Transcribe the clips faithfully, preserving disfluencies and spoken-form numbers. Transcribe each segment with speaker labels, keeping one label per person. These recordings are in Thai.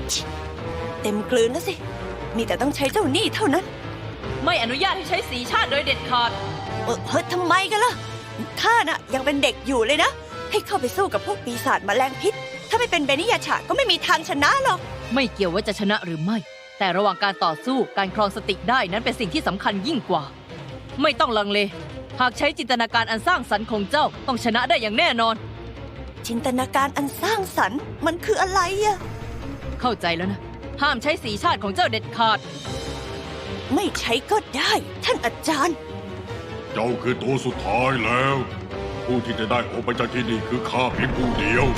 Speaker 1: เต็มกลืนแล้วสิมีแต่ต้องใช้เจ้าหนี้เท่านั้น
Speaker 2: ไม่อนุญาตให้ใช้สีชาติโดยเด็ดขาด
Speaker 1: เออเฮ้ยทำไมกันล่ะข้าน่ะยังเป็นเด็กอยู่เลยนะให้เข้าไปสู้กับพวกปีศาจแมลงพิษถ้าไม่เป็นเบนิยาชาก็ไม่มีทางชนะหรอก
Speaker 2: ไม่เกี่ยวว่าจะชนะหรือไม่แต่ระหว่างการต่อสู้การครองสติได้นั้นเป็นสิ่งที่สำคัญยิ่งกว่าไม่ต้องลังเลหากใช้จินตนาการอันสร้างสรรค์ของเจ้าต้องชนะได้อย่างแน่นอน
Speaker 1: จินตนาการอันสร้างสรรค์มันคืออะไรอะ
Speaker 2: เข้าใจแล้วนะห้ามใช้สีชาติของเจ้าเด็ดขาด
Speaker 1: ไม่ใช้ก็ได้ท่านอาจารย์
Speaker 3: เจ้าคือตัวสุดท้ายแล้วผู้ที่จะได้ออกไปจากที่นี่คือข้าเพียงผู้เดียว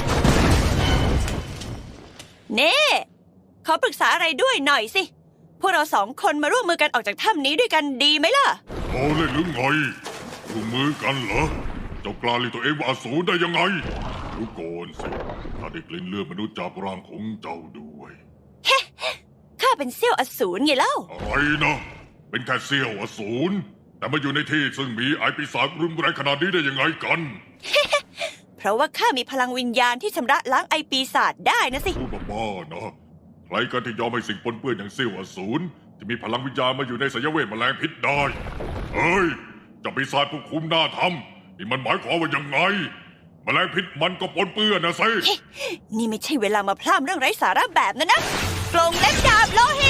Speaker 1: เน่ขอปรึกษาอะไรด้วยหน่อยสิพวกเราสองคนมาร่วมมือกันออกจากถ้ำนี้ด้วยกันดีไหมล่ะ
Speaker 3: โอ้เล่นหรือไงร่วมมือกันเหรอเจ้ากล้าเรียกตัวเองว่าอสูรได้ยังไงดูก่อนสิข้าได้กลิ่นเลือดมนุษย์จากร่างของเจ้าด้วย
Speaker 1: เฮ้ข้าเป็นเซี่ยวอสูรไงเล่า
Speaker 3: อะไรนะเป็นแค่เซี่ยวอสูรแต่มาอยู่ในที่ซึ่งมีไอปีศาจรุนแรงขนาดนี้ได้ยังไงกัน
Speaker 1: เพราะว่าข้ามีพลังวิญญาณที่ชำระล้างไอปีศาจได้นะสิ
Speaker 3: พูดบ้าๆนะใครกันที่ยอมให้สิ่งปนเปื้อนอย่างเซี่ยวอสูรจะมีพลังวิญญาณมาอยู่ในสยเวทแมลงพิษได้เฮ้ยจะปีศาจผู้คุมหน้าทำนี่มันหมายความว่ายังไงแมลงพิษมันก็ปนเปื้อนนะสิ
Speaker 1: นี่ไม่ใช่เวลามาพร่ำเรื่องไร้สาระแบบนั้นนะกลงเล็บดาบโลหิต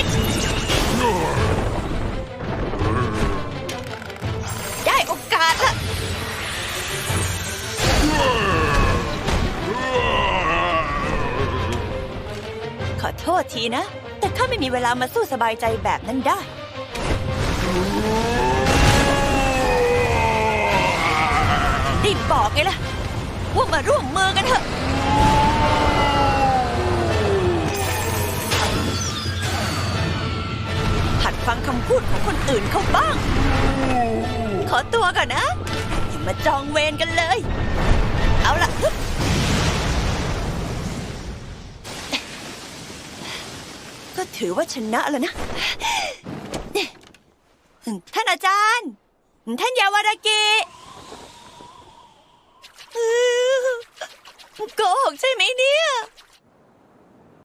Speaker 1: ได้โอกาสละขอโทษทีนะแต่ข้าไม่มีเวลามาสู้สบายใจแบบนั้นได้รีบบอกไงล่ะว่ามาร่วมมือกันเถอะหัดฟังคำพูดของคนอื่นเขาบ้างขอตัวก่อนนะอย่ามาจองเวรกันเลยเอาล่ะก็ถือว่าชนะแล้วนะท่านอาจารย์ท่านยาวารากิโกหกใช่ไหมเนี่ย